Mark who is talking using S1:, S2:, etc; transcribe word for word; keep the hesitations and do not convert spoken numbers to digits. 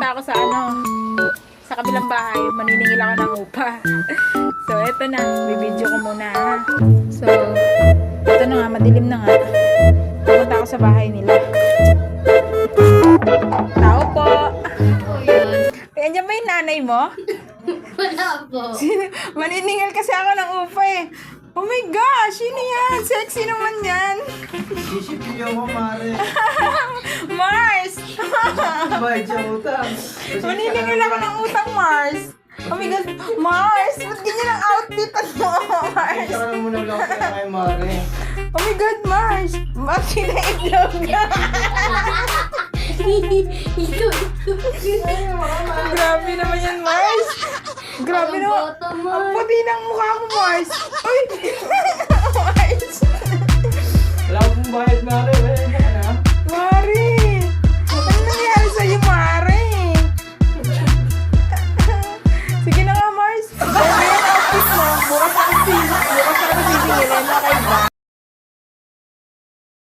S1: pupunta ako sa ano, sa kabilang bahay, maniningil ako ng upa. So, eto na, bibidyo ko muna ha. So, eto na nga, madilim na nga. Pupunta ako sa bahay nila. Tao po.
S2: Oh, yun.
S1: Eh, andyan ba yung nanay mo?
S2: Wala po.
S1: Maniningil kasi ako ng upa eh. Oh my gosh, yun yan. Sexy naman yan.
S3: Sisipin mo, Mare.
S1: Mars!
S3: Bayad siya utang.
S1: Maniningil ako ng utang, Mars. Oh my God, Mars! Ba't ganyan ang outfit mo, Mars?
S3: Isa ka lang muna lang kaya kay Mare.
S1: Oh my God, Mars! Ba't kinaitlog ka?
S2: Ito,
S1: Grabe naman yan, Mars! Grabe
S2: Ang
S1: naman.
S2: bata,
S1: Ang
S2: Mars.
S1: puti ng mukha mo, Mars! Uy! Mars!
S3: Wala akong bayad, Mare.